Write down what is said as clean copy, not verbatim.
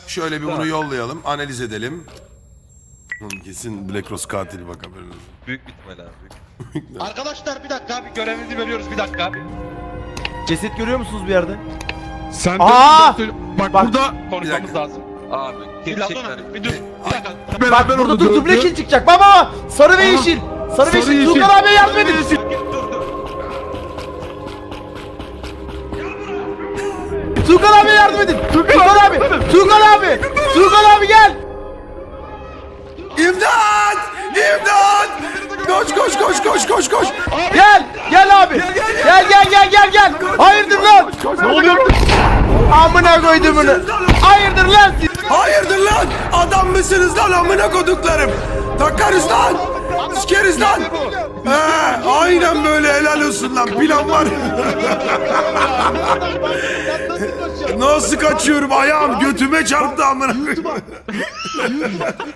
Şöyle bir bunu yollayalım. Analiz edelim. Oğlum kesin Black Rose katili bak haberiniz olsun. Büyük bitme lan. Büyük. Arkadaşlar bir dakika abi görevimizi veriyoruz bir dakika. Ceset görüyor musunuz bir yerde? Sen Aa! bak, Bak. burada Konuşmamız lazım. Abi Gerçekten. Bir dur. Bir dakika. beraber Bak burada orada duble dövdü. kill çıkacak. Baba! Sarı ve yeşil. Sarı ve yeşil. Tuğkan abiye yardım edin. Tuğkan abiye yardım edin. Tuğkan abi. Tuğkan abi. Tuğkan abi gel. İmdat! İmdat! Koş koş koş koş koş koş! Gel. Gel abi. Gel. Hayırdır lan? Ne oluyor? Amına koydum bunu. Hayırdır lan siz? Hayırdır lan? Adam mısınız lan amına koduklarım? Takarız lan! Sikeriz lan! He, aynen böyle helal olsun lan plan var. Nasıl kaçıyorum ayağım götüme çarptı amına koyayım.